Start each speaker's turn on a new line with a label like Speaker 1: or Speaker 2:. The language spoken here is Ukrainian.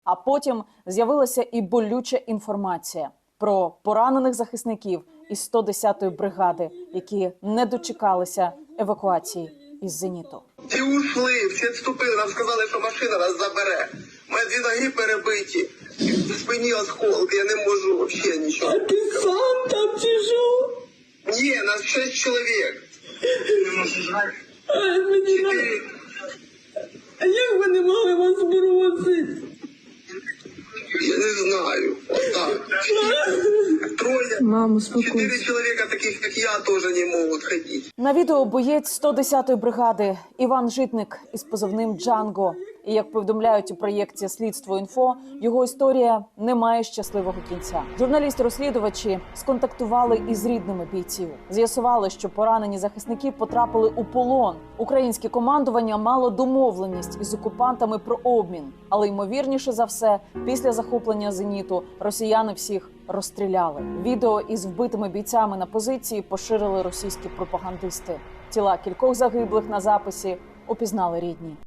Speaker 1: А потім з'явилася і болюча інформація про поранених захисників із 110-ї бригади, які не дочекалися евакуації із «Зеніту».
Speaker 2: Ті ушли, всі відступили, нам сказали, що машина нас забере. Мої 2 ноги перебиті, в спині осколки, я не можу взагалі нічого.
Speaker 3: А ти сам там чи що?
Speaker 2: Ні, нас 6 чоловік. Не можу знати.
Speaker 3: А як вони могли вас бросити?
Speaker 2: Я не знаю. Отак. 3,
Speaker 3: Мамо,
Speaker 2: 4 чоловіка таких, як я, теж не можуть ходити.
Speaker 1: На відео боєць 110-ї бригади Іван Житник із позивним «Джанго». І, як повідомляють у проєкті «Слідство.Інфо», його історія не має щасливого кінця. Журналісти-розслідувачі сконтактували із рідними бійців. З'ясували, що поранені захисники потрапили у полон. Українське командування мало домовленість із окупантами про обмін. Але, ймовірніше за все, після захоплення «Зеніту» росіяни всіх розстріляли. Відео із вбитими бійцями на позиції поширили російські пропагандисти. Тіла кількох загиблих на записі опізнали рідні.